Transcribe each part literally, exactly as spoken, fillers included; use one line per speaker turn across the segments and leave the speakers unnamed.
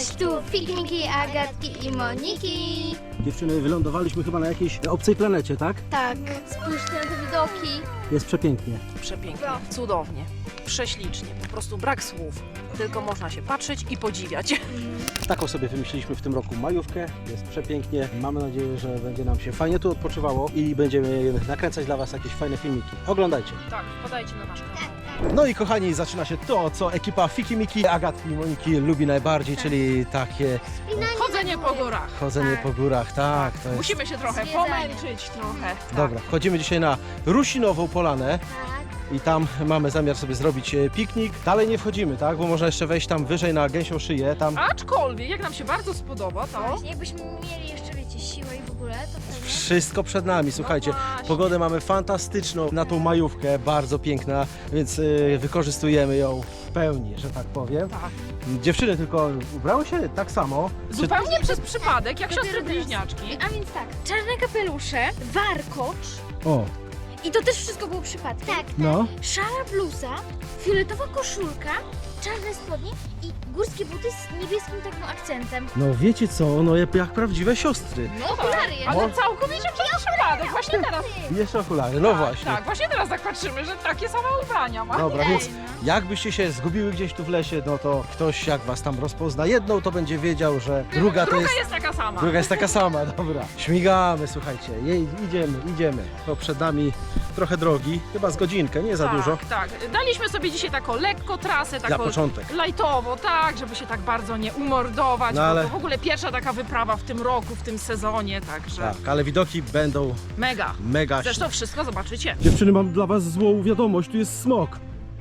Cześć, tu Fikmiki, Agatki i Moniki.
Dziewczyny, wylądowaliśmy chyba na jakiejś obcej planecie, tak?
Tak, spójrzcie na te widoki.
Jest przepięknie.
Przepięknie, cudownie, prześlicznie, po prostu brak słów. Tylko można się patrzeć i podziwiać.
Taką sobie wymyśliliśmy w tym roku majówkę. Jest przepięknie. Mamy nadzieję, że będzie nam się fajnie tu odpoczywało i będziemy nakręcać dla Was jakieś fajne filmiki. Oglądajcie.
Tak, wpadajcie na nasz kanał.
No i kochani, zaczyna się to, co ekipa Fikimiki, Agatki i Moniki lubi najbardziej, czyli takie
Chodzenie po górach.
chodzenie po górach. Tak, to jest...
Musimy się trochę
Zwiedzanie.
pomęczyć, trochę. Tak.
Dobra, wchodzimy dzisiaj na Rusinową Polanę. I tam mamy zamiar sobie zrobić e, piknik. Dalej nie wchodzimy, tak? Bo można jeszcze wejść tam wyżej na Gęsią Szyję. Tam
Aczkolwiek, jak nam się bardzo spodoba, to...
Właśnie, jakbyśmy mieli jeszcze, wiecie, siłę i w ogóle, to wtedy...
wszystko przed nami, słuchajcie.
No właśnie.
Pogodę mamy fantastyczną na tą majówkę, bardzo piękna, więc y, wykorzystujemy ją w pełni, że tak powiem.
Tak.
Dziewczyny tylko ubrały się tak samo.
Zupełnie przez przypadek, jak
Dopiero
siostry
teraz.
bliźniaczki.
A więc tak, czarne kapelusze, warkocz
O,
i to też wszystko było przypadkiem. Tak,
no.
szara bluza, fioletowa koszulka, czarne spodnie i górskie buty z niebieskim takim akcentem.
No wiecie co, no jak, jak prawdziwe siostry.
No
Okulary
tak,
jeszcze.
ale całkowicie przez przypadek, właśnie teraz.
Jeszcze okulary, no
tak,
właśnie.
Tak, właśnie teraz tak patrzymy, że takie same ubrania ma.
Dobra, więc jakbyście się zgubiły gdzieś tu w lesie, no to ktoś jak was tam rozpozna jedną, to będzie wiedział, że druga to
Druga
jest...
jest taka sama.
Druga jest taka sama, dobra. Śmigamy, słuchajcie, jej, idziemy, idziemy. To przed nami trochę drogi, chyba z godzinkę, nie za
tak,
dużo.
Tak, daliśmy sobie dzisiaj taką lekko trasę,
Dla
taką
początek.
lajtowo, tak, żeby się tak bardzo nie umordować,
No
bo
ale-
to w ogóle pierwsza taka wyprawa w tym roku, w tym sezonie, także
Tak, ale widoki będą
mega.
mega.
Zresztą wszystko zobaczycie.
Dziewczyny, mam dla was złą wiadomość, tu jest smok.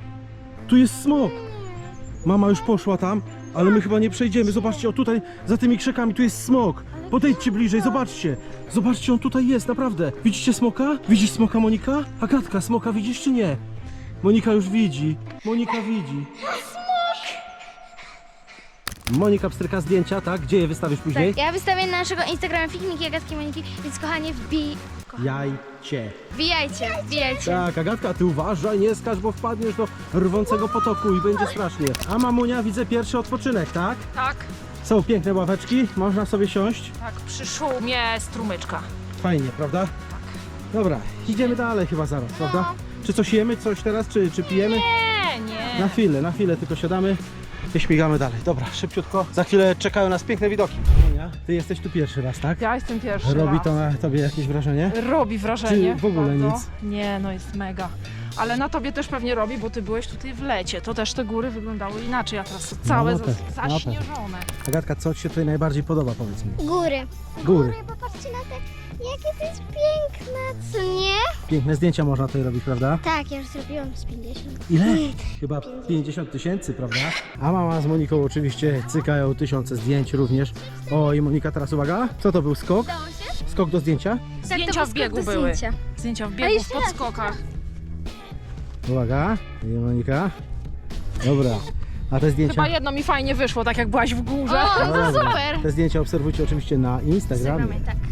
Tu jest smok. Mama już poszła tam, ale my chyba nie przejdziemy. Zobaczcie, o tutaj, za tymi krzakami, tu jest smok. Podejdźcie bliżej, zobaczcie. Zobaczcie, on tutaj jest, naprawdę. Widzicie smoka? Widzisz smoka, Monika? Agatka, smoka widzisz czy nie? Monika już widzi. Monika widzi. Monika pstryka zdjęcia, tak? Gdzie je wystawisz później?
Tak, ja wystawię na naszego Instagrama Fikmiki, Agatki i Moniki, więc kochanie, wbij...
Jajcie.
Wbijajcie, wbijajcie.
Tak, Agatka, ty uważaj, nie skacz, bo wpadniesz do rwącego potoku i będzie strasznie. A mamunia, widzę pierwszy odpoczynek, tak?
Tak,
Są piękne ławeczki, można sobie siąść.
tak, przy szumie strumyczka.
Fajnie, prawda? Dobra, idziemy dalej chyba zaraz, prawda? Czy coś jemy, coś teraz, czy, czy pijemy?
Nie, nie.
Na chwilę, na chwilę tylko siadamy i śmigamy dalej. Dobra, szybciutko. Za chwilę czekają nas piękne widoki. Monia, ty jesteś tu pierwszy raz, tak?
Ja jestem pierwszy
Robi
raz.
to na tobie jakieś wrażenie?
Robi wrażenie.
Czy w ogóle
bardzo.
nic?
Nie, no jest mega. Ale na tobie też pewnie robi, bo ty byłeś tutaj w lecie. To też te góry wyglądały inaczej, a teraz są całe
na
za-
pewno, na
zaśnieżone.
Agatka, co ci się tutaj najbardziej podoba, powiedz mi?
Góry.
Góry.
Popatrzcie na te, jakie to jest piękne, co nie?
Piękne zdjęcia można tutaj robić, prawda?
Tak, ja już zrobiłam z pięćdziesiąt.
Ile? Chyba pięćdziesiąt tysięcy, prawda? A mama z Moniką oczywiście cykają tysiące zdjęć również. O, i Monika teraz uwaga. Co to był skok?
Udało się?
Skok do zdjęcia?
Zdjęcia w biegu były. Zdjęcia w biegu, w
jeszcze raz.
podskokach.
Uwaga. I Monika. Dobra. A te zdjęcia?
Chyba jedno mi fajnie wyszło, tak jak byłaś w górze.
O,
No
to
dobra.
super.
Te zdjęcia obserwujcie oczywiście na Instagramie.
Instagramie, tak.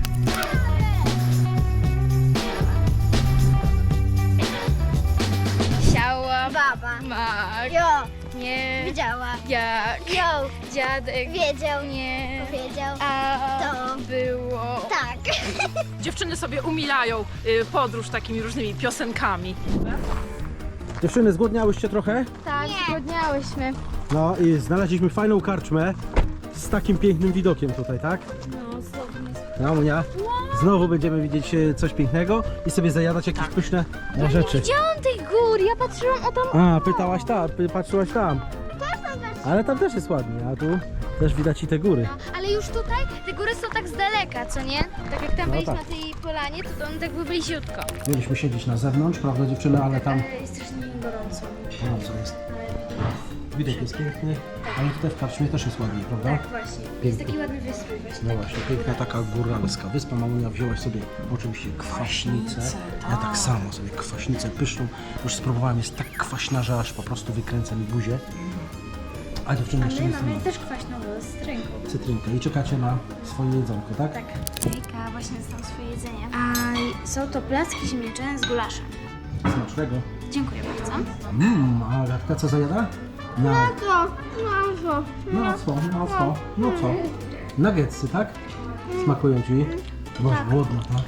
Siała baba. Mak. Jo. Nie. Widziała. Jak. Jo. Dziadek. Wiedział. Nie. Powiedział. A to było. Tak.
Dziewczyny sobie umilają y, podróż takimi różnymi piosenkami.
Dziewczyny, zgłodniałyście trochę?
Tak, zgodniałyśmy.
No i znaleźliśmy fajną karczmę z takim pięknym widokiem tutaj, tak?
No, zgodnie.
No, Monia. Znowu będziemy widzieć e, coś pięknego i sobie zajadać jakieś
Tak.
pyszne e, rzeczy.
Widziałam tych gór, ja patrzyłam o tam.
A, pytałaś tam, py- patrzyłaś tam. Ale tam też jest ładnie, a tu też widać i te góry.
No, ale już tutaj te góry są tak z daleka, co nie? Tak jak tam
No
byliśmy
tak.
na tej polanie, to one tak były bliziutko.
Mieliśmy siedzieć na zewnątrz, prawda dziewczyny, ale tam...
Ale jest strasznie gorąco.
No, co jest? Widok jest piękny, ale tutaj w karczmie też jest ładnie, prawda?
Tak, właśnie. Jest taki ładny wystrój właśnie.
No właśnie, piękna taka góralska wyspa. Mamunia, wzięłaś sobie oczywiście kwaśnicę.
Kwaśnicę,
Ja
tak.
tak samo sobie kwaśnicę pyszną. Już spróbowałem, jest tak kwaśna, że aż po prostu wykręca mi buzię. A dziewczyny jeszcze nie
mamy
są
też kwaśną wodę z cytrynką.
cytrynkę i czekacie na swoje jedzonko, tak?
Tak. Jejka, właśnie dostałam swoje jedzenie. A są to placki ziemniaczane z gulaszem.
Smacznego.
Dziękuję bardzo.
Mmm, a Agatka co zajada? Na,
co? Na co?
na co? Na co? No co? Nuggetsy, tak? Smakują ci? Byłaś głodna, tak?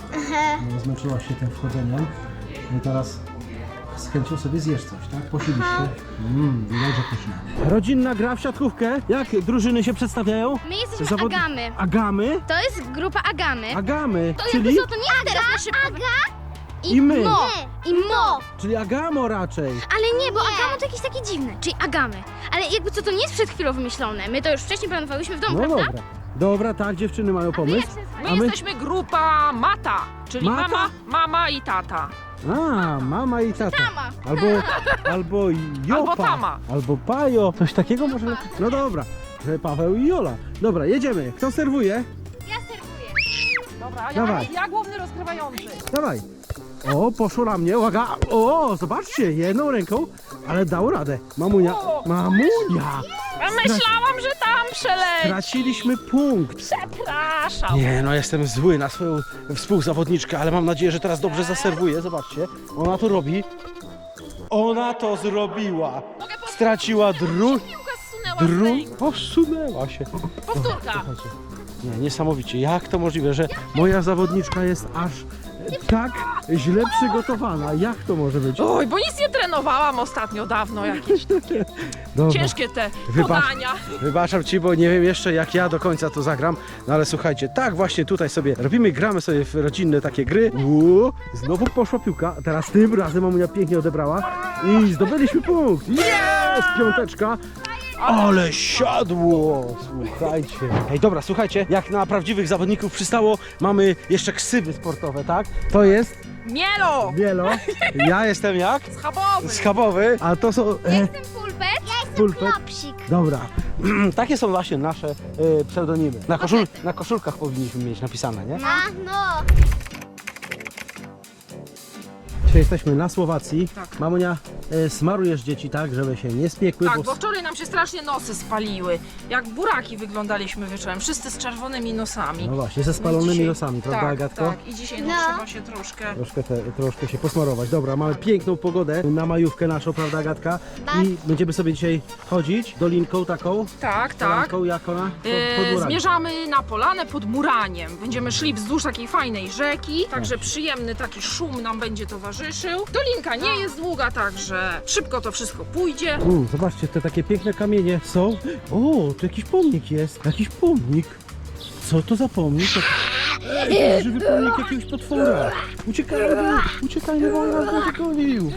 No, zmęczyłaś się tym wchodzeniem. I teraz z chęcią sobie zjesz coś, tak? Posilisz się. Mmm, dobrze pyszne. Rodzinna gra w siatkówkę. Jak drużyny się przedstawiają?
My jesteśmy
Zawod-
Agamy.
Agamy?
To jest grupa Agamy.
Agamy,
To
czyli,
jakby co, to nie jest teraz na szybko. Aga i,
I my.
Mo. I Mo.
czyli Agamo raczej.
Ale nie, bo Agamo to jakieś takie dziwne, czyli Agamy. Ale jakby co, to nie jest przed chwilą wymyślone. My to już wcześniej planowałyśmy w domu,
No
prawda?
dobra. Dobra, tak, dziewczyny mają pomysł.
My,
A my-
jesteśmy grupa Mata, czyli
Mata?
mama, mama i tata.
A, mama i tata.
Tama.
Albo, albo Jopa.
Albo Tama.
Albo Pajo. Coś takiego może? No dobra. Że Paweł i Jola. Dobra, jedziemy. Kto serwuje?
Ja serwuję.
Dobra,
Dawaj.
ja, ja główny rozgrywający.
Dawaj. O, poszło na mnie. Uwaga. O, zobaczcie, jedną ręką, ale dał radę. Mamunia.
O!
Mamunia.
Ja myślałam, że tam przeleci.
Traciliśmy punkt.
Przepraszam.
Nie, no jestem zły na swoją współzawodniczkę, ale mam nadzieję, że teraz dobrze zaserwuję. Zobaczcie, ona to robi. Ona to zrobiła. Straciła dru...
Piłka zsunęła z
dru...
ręki.
Posunęła się.
Powtórka.
Słuchajcie, nie, niesamowicie. Jak to możliwe, że moja zawodniczka jest aż tak źle przygotowana? Jak to może być?
Oj, bo nic nie trenowałam ostatnio, dawno jakieś takie
Dobra.
ciężkie te
Wybacz.
podania.
Wybaczam ci, bo nie wiem jeszcze jak ja do końca to zagram, no ale słuchajcie, tak właśnie tutaj sobie robimy, gramy sobie w rodzinne takie gry. Uuu, znowu poszła piłka, a teraz tym razem mamunia pięknie odebrała i zdobyliśmy punkt. Jest! Piąteczka. Ale siadło! Słuchajcie. Ej, dobra, słuchajcie, jak na prawdziwych zawodników przystało, mamy jeszcze ksywy sportowe, tak? To jest
Mielo!
Bielo, ja jestem jak?
Schabowy!
Schabowy, a to są... E,
Jestem pulpet. Ja jestem
Pulpet.
klopsik.
Dobra, takie są właśnie nasze e, pseudonimy. Na, koszul, na koszulkach powinniśmy mieć napisane, nie?
A, no.
Dzisiaj jesteśmy na Słowacji.
Tak.
Mamunia, e, smarujesz dzieci tak, żeby się nie spiekły.
Tak,
bo
bo wczoraj nam się strasznie nosy spaliły. Jak buraki wyglądaliśmy wieczorem, wszyscy z czerwonymi nosami.
No właśnie, ze spalonymi
Dzisiaj-
nosami, prawda,
tak,
Agatko?
Tak, i dzisiaj no,
No.
trzeba się troszkę...
Troszkę, te, troszkę się posmarować. Dobra, mamy piękną pogodę na majówkę naszą, prawda, Agatka? I będziemy sobie dzisiaj chodzić dolinką taką.
Tak, tak.
Polanką, jak ona? Pod, pod
E,
murami.
zmierzamy na polanę pod Muraniem. Będziemy szli wzdłuż takiej fajnej rzeki,
Tak.
także przyjemny taki szum nam będzie towarzyszył. Dolinka nie jest długa, także szybko to wszystko pójdzie.
U, zobaczcie, te takie piękne kamienie są. O, tu jakiś pomnik jest. Jakiś pomnik. Co to za pomnik? Jakiś żywy pomnik jakiegoś potwora. Uciekajmy, uciekajmy, bo on nas będzie gonił.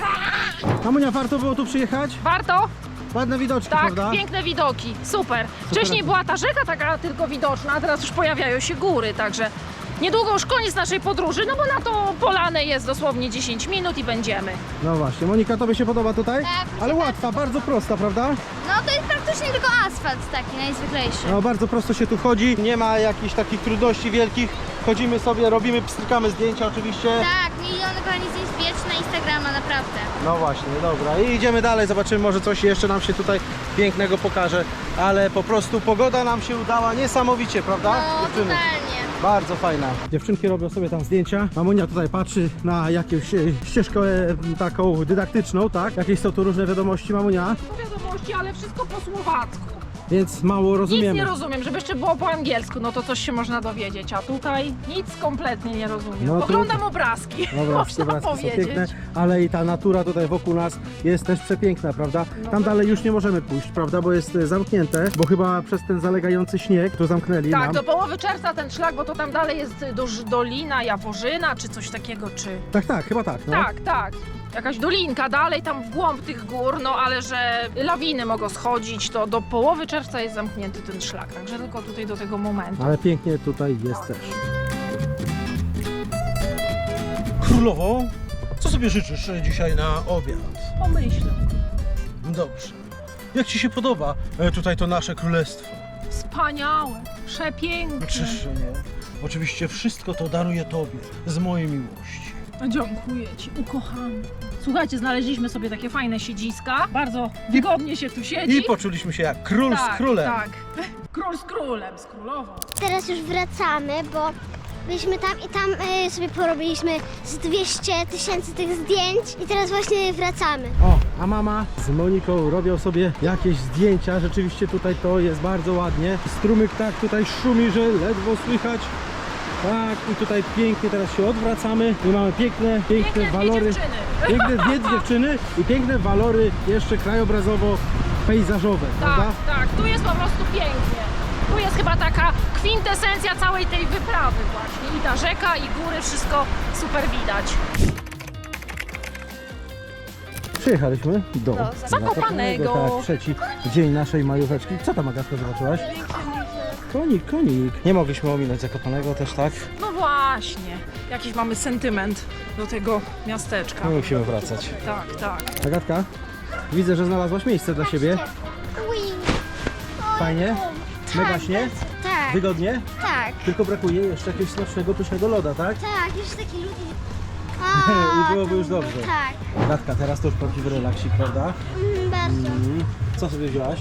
Mamunia, warto było tu przyjechać?
Warto?
Ładne widoczki,
Tak,
prawda?
piękne widoki, super. Wcześniej była ta rzeka taka tylko widoczna, a teraz już pojawiają się góry, także niedługo już koniec naszej podróży, no bo na to polanę jest dosłownie dziesięć minut i będziemy.
No właśnie, Monika, tobie się podoba tutaj?
Tak, mi się
Ale łatwa, bardzo prosta, prawda?
No to jest praktycznie tylko asfalt taki najzwyklejszy.
No bardzo prosto się tu chodzi, nie ma jakichś takich trudności wielkich. Chodzimy sobie, robimy, pstrykamy zdjęcia oczywiście.
Tak, miliony kochani zdjęć wbijać na Instagrama, naprawdę.
No właśnie, dobra. I idziemy dalej, zobaczymy, może coś jeszcze nam się tutaj pięknego pokaże. Ale po prostu pogoda nam się udała niesamowicie, prawda?
No,
dziewczyny?
totalnie.
Bardzo fajna. Dziewczynki robią sobie tam zdjęcia. Mamunia tutaj patrzy na jakąś e, ścieżkę e, taką dydaktyczną, tak? Jakieś są tu różne wiadomości, Mamunia,
To wiadomości, ale wszystko po słowacku.
więc mało
Nic
rozumiemy.
nie rozumiem, żeby jeszcze było po angielsku, no to coś się można dowiedzieć, a tutaj nic kompletnie nie rozumiem.
No to-
Oglądam obrazki,
Dobra,
można
obrazki są
powiedzieć.
piękne, ale i ta natura tutaj wokół nas jest też przepiękna, prawda?
No
Tam
to-
dalej już nie możemy pójść, prawda? Bo jest e, zamknięte, bo chyba przez ten zalegający śnieg to zamknęli
Tak,
nam.
do połowy czerwca ten szlak, bo to tam dalej jest do, Dolina Jaworzyna, czy coś takiego, czy...
Tak, tak, chyba tak. No.
Tak, tak. Jakaś dolinka dalej tam w głąb tych gór, no ale że lawiny mogą schodzić, to do połowy czerwca jest zamknięty ten szlak, także tylko tutaj do tego momentu.
Ale pięknie tutaj jest też. Królowo, co sobie życzysz dzisiaj na obiad?
Pomyślę.
Dobrze. Jak ci się podoba e, tutaj to nasze królestwo?
Wspaniałe, przepiękne.
Czyż nie? Oczywiście wszystko to daruję tobie z mojej miłości.
Dziękuję ci, ukochany. Słuchajcie, znaleźliśmy sobie takie fajne siedziska, bardzo wygodnie się tu siedzi.
I poczuliśmy się jak król
tak,
z królem.
Tak, król z królem, z królową.
Teraz już wracamy, bo byliśmy tam i tam y, sobie porobiliśmy z dwieście tysięcy tych zdjęć i teraz właśnie wracamy.
O, a mama z Moniką robią sobie jakieś zdjęcia. Rzeczywiście tutaj to jest bardzo ładnie. Strumyk tak tutaj szumi, że ledwo słychać. Tak, i tutaj pięknie teraz się odwracamy i mamy piękne, piękne
Piękne dwie
walory.
dziewczyny.
Piękne dwie dziewczyny i piękne walory jeszcze krajobrazowo pejzażowe, prawda?
Tak, tak, tu jest po prostu pięknie. Tu jest chyba taka kwintesencja całej tej wyprawy właśnie. I ta rzeka, i góry, wszystko super widać.
Przyjechaliśmy do
Zakopanego.
Tak, trzeci dzień naszej majóweczki. Co tam, Agatka, zobaczyłaś? Konik, konik. Nie mogliśmy ominąć Zakopanego też, tak?
No właśnie, jakiś mamy sentyment do tego miasteczka.
No musimy wracać.
Tak, tak.
Agatka, widzę, że znalazłaś miejsce dla siebie. Fajnie? Mega śnie?
Tak,
Wygodnie?
tak,
Tylko brakuje jeszcze jakiegoś smacznego, pysznego loda, tak?
tak, jeszcze taki ludzie.
I byłoby już dobrze.
Tak,
Agatka, teraz to już prawdziwy relaksik, prawda?
mm, bardzo.
Mm. Co sobie wzięłaś?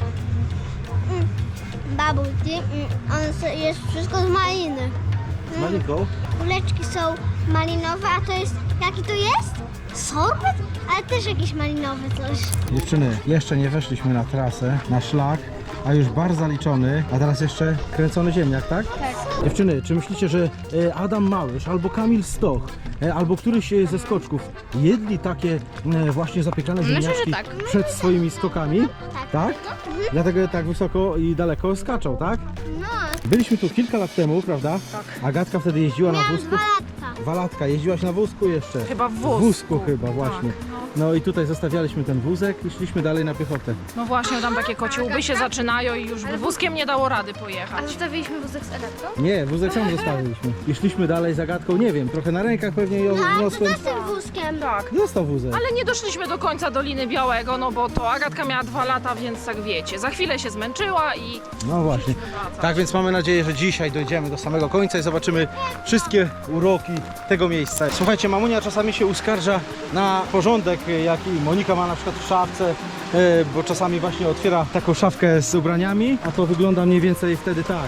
Bubble tea, mm, on se- jest wszystko z maliny.
Z Moniką?
Kuleczki są malinowe, a to jest, jaki to jest? Sorbet? Ale też jakiś malinowy coś.
Dziewczyny, jeszcze nie weszliśmy na trasę, na szlak, a już bar zaliczony, a teraz jeszcze kręcony ziemniak, tak?
Tak.
Dziewczyny, czy myślicie, że e, Adam Małysz albo Kamil Stoch, e, albo któryś e, ze skoczków jedli takie e, właśnie zapiekane ziemniaczki
tak.
przed swoimi skokami?
Tak.
Tak? Dlatego tak wysoko i daleko skaczą, tak?
No,
Byliśmy tu kilka lat temu, prawda?
Tak.
Agatka wtedy jeździła na
miałam
wózku.
dwa latka.
Walatka, jeździłaś na wózku jeszcze?
Chyba w
W
wózku.
wózku chyba, właśnie.
Tak, no.
No i tutaj zostawialiśmy ten wózek i szliśmy dalej na piechotę.
No właśnie, tam takie kociołby się zaczynają i już by wózkiem nie dało rady
A
pojechać.
zostawiliśmy wózek z Eletką?
Nie, wózek sam zostawiliśmy. I szliśmy dalej zagadką, nie wiem, trochę na rękach pewnie ją
Tak, to
wniosłem.
też z tym wózkiem.
Tak.
Został wózek.
Ale nie doszliśmy do końca Doliny Białego, no bo to Agatka miała dwa lata, więc tak wiecie, za chwilę się zmęczyła i
No właśnie. Tak więc mamy nadzieję, że dzisiaj dojdziemy do samego końca i zobaczymy wszystkie uroki tego miejsca. Słuchajcie, mamunia czasami się uskarża na porządek, jaki Monika ma na przykład w szafce, e, bo czasami właśnie otwiera taką szafkę z ubraniami, a to wygląda mniej więcej wtedy tak.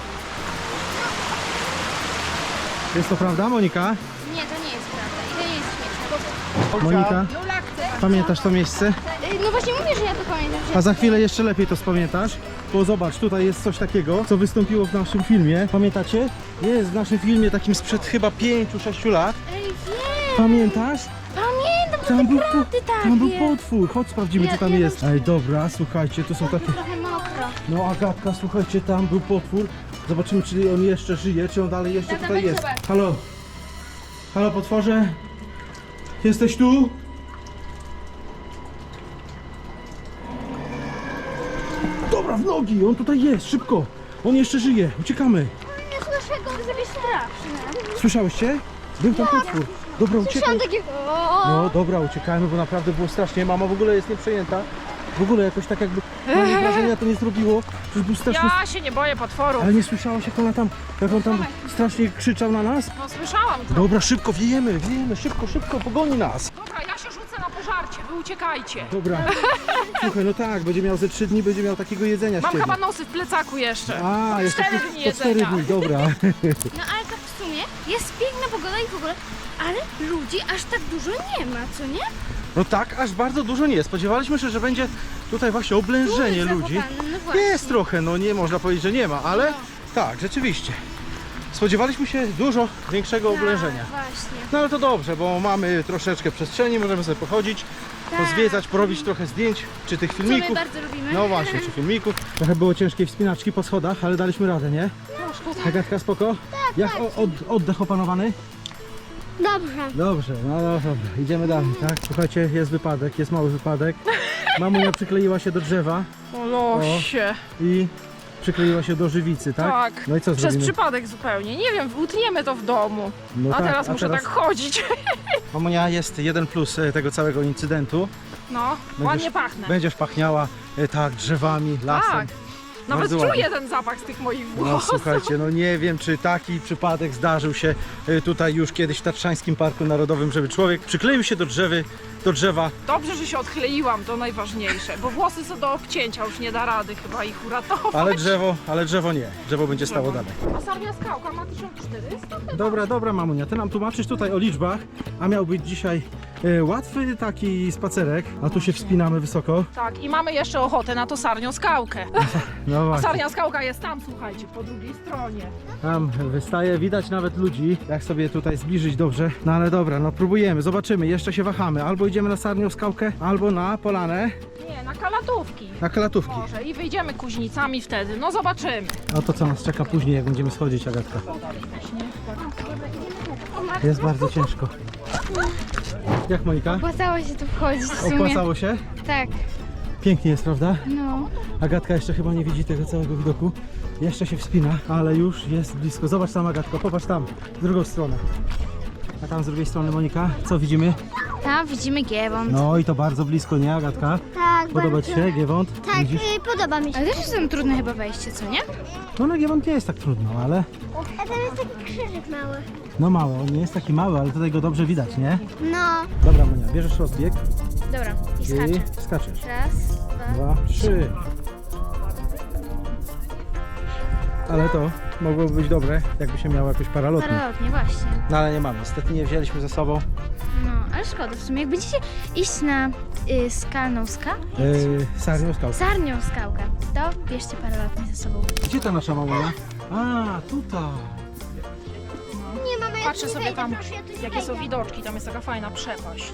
Jest to prawda, Monika?
Nie, to nie jest prawda i to nie jest śmieszne.
Monika, pamiętasz to miejsce?
No właśnie mówię, że ja to pamiętam.
A za chwilę jeszcze lepiej to spamiętasz, bo zobacz, tutaj jest coś takiego, co wystąpiło w naszym filmie. Pamiętacie? Jest w naszym filmie takim sprzed chyba pięciu sześciu lat.
Ej, wiem!
Pamiętasz?
Pamiętam,
Tam był,
prawdy tak
tam był
jest.
potwór. Chodź, sprawdzimy,
Ja-
co tam
ja
jest. Ej, dobra, słuchajcie, tu są takie...
Trochę mokro.
No, Agatka, słuchajcie, tam był potwór. Zobaczymy, czy on jeszcze żyje, czy on dalej jeszcze
Tata,
tutaj
weź
jest.
zobacz.
Halo? Halo, potworze? Jesteś tu? Dobra, w nogi, on tutaj jest, szybko. On jeszcze żyje, uciekamy.
Nie słyszę go, to jest jakieś straszne.
Słyszałyście? Był tam potwór. Dobra, uciekaj.
Słyszałam takiego...
No dobra, uciekajmy, bo naprawdę było strasznie. Mama w ogóle jest nieprzejęta. W ogóle jakoś tak jakby mam wrażenia to nie zrobiło. Przecież był straszny.
ja się nie boję potworów.
Ale nie słyszałaś jak ona tam, jak on tam strasznie krzyczał na nas?
No słyszałam to.
Dobra, szybko wiejemy, wiejemy, szybko, szybko, pogoni nas.
Dobra, ja się rzucę na pożarcie, wy uciekajcie.
Dobra. Słuchaj, no tak, będzie miał ze trzy dni, będzie miał takiego jedzenia z
Mam
ciebie.
chyba nosy w plecaku jeszcze.
A, jeszcze
cztery
po-
dni
po cztery
jedzenia.
dni, dobra.
No ale tak w sumie jest piękna pogoda i w ogóle, ale ludzi aż tak dużo nie ma, co nie?
No tak, aż bardzo dużo nie. Spodziewaliśmy się, że będzie tutaj właśnie oblężenie
Duży
ludzi.
Zakopane, no właśnie.
Jest trochę, no nie można powiedzieć, że nie ma, ale tak, rzeczywiście. Spodziewaliśmy się dużo większego oblężenia.
Tak, właśnie.
No ale to dobrze, bo mamy troszeczkę przestrzeni, możemy sobie pochodzić,
Tak.
pozwiedzać, porobić trochę zdjęć, czy tych
Co my
filmików.
bardzo lubimy.
No właśnie, czy filmików. Trochę było ciężkiej wspinaczki po schodach, ale daliśmy radę, nie? Agatka, spoko? Tak, Jak o, od, oddech opanowany?
Dobrze.
Dobrze, no, no dobra, idziemy dalej, tak? Słuchajcie, jest wypadek, jest mały wypadek. Mamunia przykleiła się do drzewa
O losie.
i przykleiła się do żywicy, tak?
Tak.
No i co
Przez
zrobimy?
przypadek zupełnie. Nie wiem, utniemy to w domu.
No
a
tak,
teraz
a
muszę
teraz-
tak chodzić.
Mamunia, jest jeden plus e, tego całego incydentu.
No, ładnie pachnę.
Będziesz pachniała e, tak, drzewami, lasem.
Tak. Nawet
Bardzo
czuję
ładnie.
ten zapach z tych moich
No
włosów.
słuchajcie, no nie wiem, czy taki przypadek zdarzył się y, tutaj już kiedyś w Tatrzańskim Parku Narodowym, żeby człowiek przykleił się do drzewy, do drzewa.
Dobrze, że się odkleiłam, to najważniejsze, bo włosy są do obcięcia, już nie da rady chyba ich uratować.
Ale drzewo, ale drzewo nie. Drzewo będzie stało dalej.
A Sarnia Skałka ma tysiąc czterysta?
Dobra, dobra mamunia, ty nam tłumaczysz tutaj o liczbach, a miał być dzisiaj e, łatwy taki spacerek, a tu się wspinamy wysoko.
Tak, i mamy jeszcze ochotę na to Sarnią Skałkę.
No
A
właśnie,
Sarnia Skałka jest tam, słuchajcie, po drugiej stronie.
tam wystaje, widać nawet ludzi, jak sobie tutaj zbliżyć dobrze. No ale dobra, no próbujemy, zobaczymy, jeszcze się wahamy. Albo idziemy na Sarnią Skałkę, albo na Polanę,
Nie, na Kalatówki.
na Kalatówki.
Może i wyjdziemy Kuźnicami wtedy, no zobaczymy.
A to co nas czeka później, jak będziemy schodzić, Agatka? Jest bardzo ciężko. Jak Monika?
Opłacało się tu wchodzić w sumie.
Opłacało się?
Tak,
Pięknie jest, prawda?
no.
Agatka jeszcze chyba nie widzi tego całego widoku. Jeszcze się wspina, ale już jest blisko. Zobacz tam, Agatko, popatrz tam, w drugą stronę. A tam z drugiej strony, Monika, co widzimy?
Tam widzimy Giewont.
No i to bardzo blisko, nie, Agatka?
Tak,
Podoba
bardzo.
Ci się Giewont?
Tak,
Widzisz?
y, podoba mi się.
Ale też jest tam trudne chyba wejście, co nie?
No na Giewont nie jest tak trudno, ale
A tam jest taki krzyżyk mały.
no mało. On nie jest taki mały, ale tutaj go dobrze widać, nie?
No.
Dobra, Monia, bierzesz rozbieg
Dobra, i
i
skaczę.
skaczesz.
Raz, dwa.
Dwa, trzy. Ale to mogłoby być dobre, jakby się miało jakoś paralotnie.
Paralotnie, właśnie.
No ale nie mamy, niestety nie wzięliśmy ze sobą
No, ale szkoda w sumie. Jak będziecie iść na y, skalną skałę,
yy, sarnią skałkę.
sarnią skałkę, to bierzcie paralotnie ze sobą.
Gdzie ta nasza mamunia? A, tutaj.
Nie, mama, ja
Patrzę
tu nie
sobie
wejdę,
tam,
proszę, ja tu nie
jakie są
wejdę.
widoczki, tam jest taka fajna przepaść.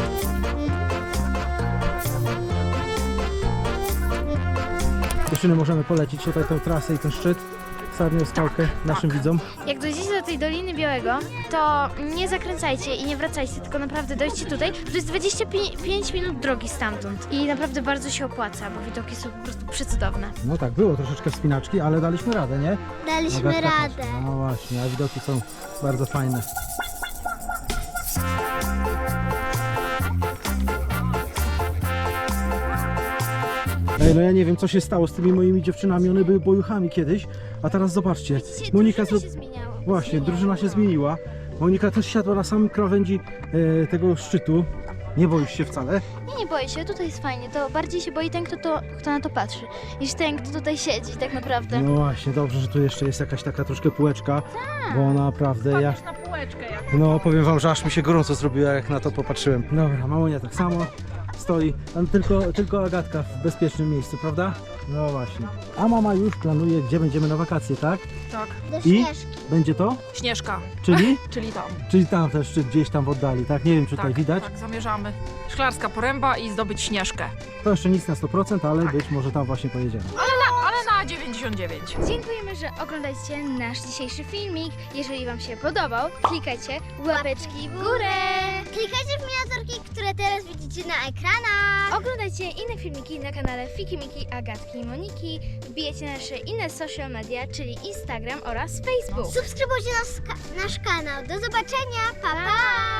Dziewczyny, możemy polecić tutaj tę trasę i ten szczyt, sarnią skałkę naszym widzom.
Jak dojdziecie do tej Doliny Białego, to nie zakręcajcie i nie wracajcie, tylko naprawdę dojdźcie tutaj. To jest dwadzieścia pięć minut drogi stamtąd i naprawdę bardzo się opłaca, bo widoki są po prostu przecudowne.
No tak, było troszeczkę wspinaczki, ale daliśmy radę, nie?
Daliśmy
Agatka też.
radę.
No właśnie, a widoki są bardzo fajne. Ej, no ja nie wiem, co się stało z tymi moimi dziewczynami, one były bojuchami kiedyś, a teraz zobaczcie,
Dzisiaj
Monika
drużyna
zro-
się zmieniało.
Właśnie, drużyna się zmieniła. Monika też siadła na samym krawędzi e, tego szczytu. Nie boisz się wcale?
Nie, nie boję się, tutaj jest fajnie, to bardziej się boi ten, kto, to, kto na to patrzy, niż ten, kto tutaj siedzi tak naprawdę.
No właśnie, dobrze, że tu jeszcze jest jakaś taka troszkę półeczka, bo naprawdę ja...
Patrz na półeczkę jak.
No powiem wam, że aż mi się gorąco zrobiło, jak na to popatrzyłem. Dobra, mamunia tak samo stoi, tam tylko, tylko Agatka w bezpiecznym miejscu, prawda? No właśnie. A mama już planuje, gdzie będziemy na wakacje, tak?
Tak,
Do
I?
śnieżki.
Będzie to?
Śnieżka,
Czyli?
czyli tam.
Czyli tam też, czy gdzieś tam w oddali, tak? Nie wiem, czy tutaj
Tak,
widać.
tak, zamierzamy. Szklarska Poręba i zdobyć Śnieżkę.
To jeszcze nic na sto procent, ale być może tam właśnie pojedziemy.
Ale na, ale na dziewięćdziesiąt dziewięć.
Dziękujemy, że oglądacie nasz dzisiejszy filmik. Jeżeli Wam się podobał, klikajcie łapeczki w górę.
Klikajcie w miniaturki, które teraz widzicie na ekranach.
Oglądajcie inne filmiki na kanale Fiki Miki, Agatki i Moniki. Wbijajcie nasze inne social media, czyli Instagram oraz Facebook.
Subskrybujcie nas, nasz kanał. Do zobaczenia. Pa, pa.